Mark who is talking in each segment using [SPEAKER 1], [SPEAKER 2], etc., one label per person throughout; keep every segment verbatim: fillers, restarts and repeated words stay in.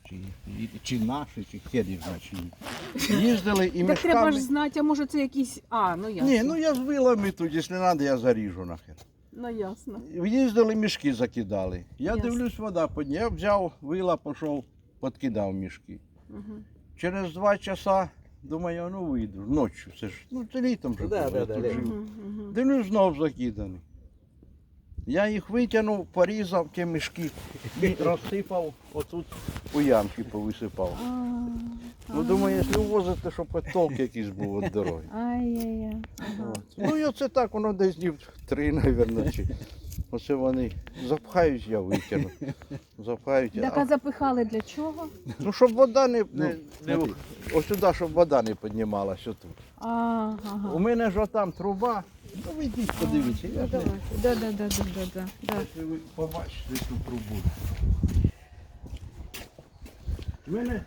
[SPEAKER 1] чи, чи наші, чи хер їх знає, чи ні. Їздили і
[SPEAKER 2] Так треба
[SPEAKER 1] мішками.
[SPEAKER 2] ж знати, а може це якісь. А, ну ясно.
[SPEAKER 1] Ні, ну я з вилами тут, якщо треба, я заріжу нахер.
[SPEAKER 2] Ну ясно.
[SPEAKER 1] Їздили, мішки закидали. Я
[SPEAKER 2] Ясно.
[SPEAKER 1] дивлюсь, вода підняла. Я взяв вила, пішов, підкидав мішки.
[SPEAKER 2] Угу.
[SPEAKER 1] Через два часа, думаю, ну вийду, ночі, це ж, ну це літом же
[SPEAKER 3] Да,
[SPEAKER 1] було,
[SPEAKER 3] да,
[SPEAKER 1] я
[SPEAKER 3] да,
[SPEAKER 1] тут
[SPEAKER 3] да.
[SPEAKER 1] жив.
[SPEAKER 2] Угу, угу.
[SPEAKER 1] Дивлюсь, знов закиданий. Я їх витягнув, порізав ті мішки і розсипав, отут у ямки повисипав. Ну, думаю, якщо возити, щоб хоч толк якийсь був від дороги.
[SPEAKER 2] Ай-яй-яй. Ага.
[SPEAKER 1] От. Ну і оце так, воно десь днів три, мабуть. Чи. Оце вони запхають, я витягну. Запхають.
[SPEAKER 2] Так, а запихали для чого?
[SPEAKER 1] Ну, щоб вода не, не, не
[SPEAKER 3] смотри.
[SPEAKER 1] ось сюди, щоб вода не піднімалася отут.
[SPEAKER 2] А, ага.
[SPEAKER 1] У мене ж отам труба. Ну, ви йдіть, подивіться. Я
[SPEAKER 2] Ну,
[SPEAKER 1] ж
[SPEAKER 2] давай.
[SPEAKER 1] не-
[SPEAKER 2] Да, да, да, да, да, да, да.
[SPEAKER 1] Якщо ви побачите цю трубу. У мене,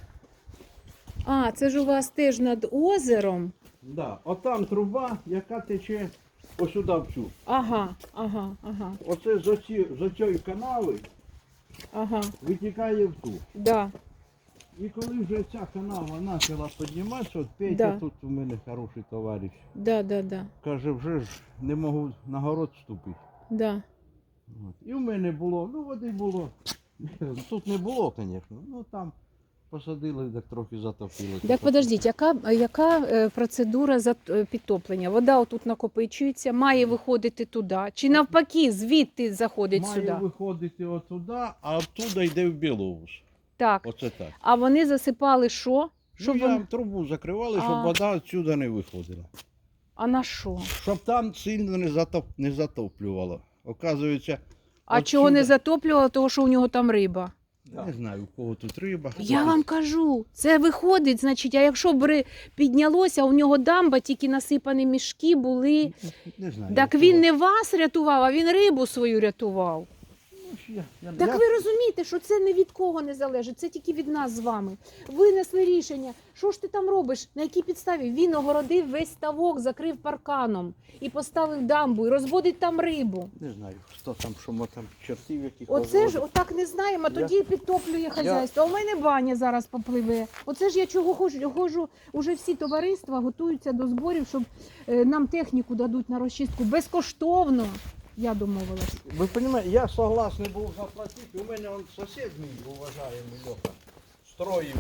[SPEAKER 2] А, це ж у вас теж над озером.
[SPEAKER 1] да, отам труба, яка тече ось сюди в цю.
[SPEAKER 2] Ага, ага, ага,
[SPEAKER 1] Оце з оці- з оцієї канави
[SPEAKER 2] ага.
[SPEAKER 1] витікає в ту.
[SPEAKER 2] Да.
[SPEAKER 1] І коли вже ця канава почала підніматися, от Петя
[SPEAKER 2] Да.
[SPEAKER 1] тут у мене хороший товариш,
[SPEAKER 2] Да, да, да,
[SPEAKER 1] каже, вже ж не можу на город вступити.
[SPEAKER 2] да.
[SPEAKER 1] От. І в мене було, ну води було. Тут не було, звісно, ну там посадили, так трохи затопило.
[SPEAKER 2] Так подождіть, яка, яка е, процедура зат- е, підтоплення? Вода отут накопичується, має виходити туди. Чи навпаки, звідти заходить
[SPEAKER 1] Має
[SPEAKER 2] сюди?
[SPEAKER 1] виходити отуди, а оттуда йде в Білоус.
[SPEAKER 2] Так.
[SPEAKER 1] Оце так.
[SPEAKER 2] А вони засипали що? Щоб
[SPEAKER 1] Ну, я
[SPEAKER 2] вони...
[SPEAKER 1] трубу закривали, щоб
[SPEAKER 2] А.
[SPEAKER 1] вода відсюди не виходила.
[SPEAKER 2] А на що?
[SPEAKER 1] Щоб там сильно не, затоп... не затоплювало. Оказується,
[SPEAKER 2] А
[SPEAKER 1] От
[SPEAKER 2] чого не
[SPEAKER 1] сюди.
[SPEAKER 2] затоплювало? Того, що у нього там риба.
[SPEAKER 1] не знаю, у кого тут риба.
[SPEAKER 2] Я
[SPEAKER 1] Тут-
[SPEAKER 2] вам кажу, це виходить, значить, а якщо б ри- піднялося, у нього дамба, тільки насипані мішки були.
[SPEAKER 1] Не знаю.
[SPEAKER 2] Так
[SPEAKER 1] у
[SPEAKER 2] він
[SPEAKER 1] кого.
[SPEAKER 2] не вас рятував, а він рибу свою рятував.
[SPEAKER 1] Ну, я- я-
[SPEAKER 2] Так
[SPEAKER 1] я-
[SPEAKER 2] ви розумієте, що це не від кого не залежить, це тільки від нас з вами. Винесли рішення. Що ж ти там робиш? На якій підставі? Він огородив весь ставок, закрив парканом і поставив дамбу, і розводить там рибу.
[SPEAKER 1] Не знаю, хто там, що ми там чортів яких
[SPEAKER 2] Оце ж
[SPEAKER 1] розводить.
[SPEAKER 2] отак не знаємо, а
[SPEAKER 1] Я-
[SPEAKER 2] тоді підтоплює хазяйство. А у мене баня зараз попливе. Оце ж я чого ходжу, ходжу, уже всі товариства готуються до зборів, щоб е, нам техніку дадуть на розчистку безкоштовно. Я домовилась.
[SPEAKER 1] Ви розумієте, я согласний був заплатити. У мене он сусід мій, уважаємий Льоха, строїв,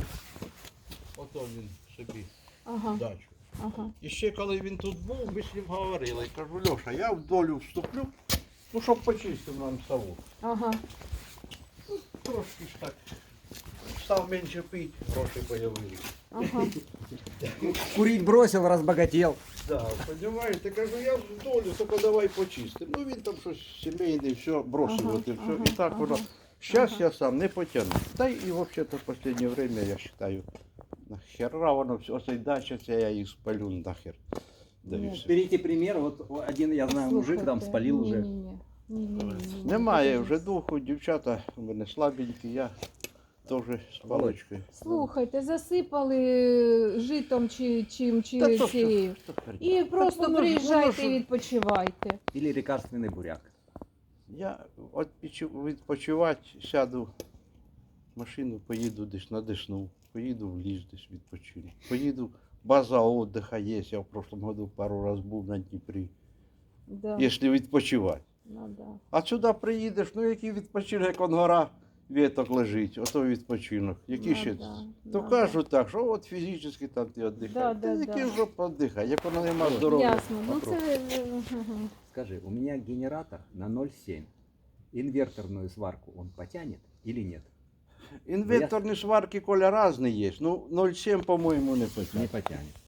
[SPEAKER 1] ото він собі
[SPEAKER 2] Ага,
[SPEAKER 1] дачу.
[SPEAKER 2] ага.
[SPEAKER 1] І ще коли він тут був, ми з ним говорили. Я кажу, Льоша, я в долю вступлю, ну щоб почистив нам ставок.
[SPEAKER 2] Ага.
[SPEAKER 1] Трошки ж так. Став менше пити, гроші появилися.
[SPEAKER 2] Ага.
[SPEAKER 3] Курить бросил, разбогател.
[SPEAKER 1] Да, понимаєте, кажу, я в долю, тільки давай почистим. Ну він там щось сімейне, все, бросив,
[SPEAKER 2] Ага,
[SPEAKER 1] от і все.
[SPEAKER 2] ага,
[SPEAKER 1] І так
[SPEAKER 2] ага.
[SPEAKER 1] воно. Зараз
[SPEAKER 2] Ага.
[SPEAKER 1] я сам не потягну. Та й і взагалі-то в останнє время, я вважаю, нахера воно все, оцей дача, це я їх спалю нахер. Да і
[SPEAKER 2] Ні.
[SPEAKER 1] все.
[SPEAKER 3] Берите пример, вот один, я знаю, мужик там спалил уже.
[SPEAKER 2] Ні-ні-ні. Ні-ні-ні.
[SPEAKER 1] Немає вже духу, дівчата у мене слабенькі, я теж з паличкою.
[SPEAKER 2] Слухайте, засипали житом чи чим, чи
[SPEAKER 1] Та то
[SPEAKER 2] цією.
[SPEAKER 1] що, що
[SPEAKER 2] І просто
[SPEAKER 1] воно ж-
[SPEAKER 2] приїжджайте
[SPEAKER 1] воно ж-
[SPEAKER 2] і відпочивайте.
[SPEAKER 3] Или лекарственный буряк.
[SPEAKER 1] Я от підчу- відпочивати сяду в машину, поїду десь на Десну, поїду в ліс десь відпочину. Поїду, база отдыха є, я в прошлом году пару раз був на Дніпрі,
[SPEAKER 2] Да.
[SPEAKER 1] якщо відпочивати.
[SPEAKER 2] Ну, да.
[SPEAKER 1] А сюди приїдеш, ну який відпочинок, як он гора віток лежить, ото відпочинок. Які
[SPEAKER 2] Ну,
[SPEAKER 1] ще?
[SPEAKER 2] да,
[SPEAKER 1] То
[SPEAKER 2] ну,
[SPEAKER 1] кажуть так, що от фізично там ти віддихаєш.
[SPEAKER 2] Да,
[SPEAKER 1] Та
[SPEAKER 2] да,
[SPEAKER 1] який
[SPEAKER 2] да.
[SPEAKER 1] жоп віддихає, як воно нема здоров'я.
[SPEAKER 2] Ясно. Ну це ага.
[SPEAKER 3] Скажи, у меня генератор на ноль семь. Инверторную сварку он потянет или нет?
[SPEAKER 1] Інверторні сварки, Коля, різні є. Ну, ноль сім, по-моєму, не
[SPEAKER 3] Не
[SPEAKER 1] питає.
[SPEAKER 3] потянет.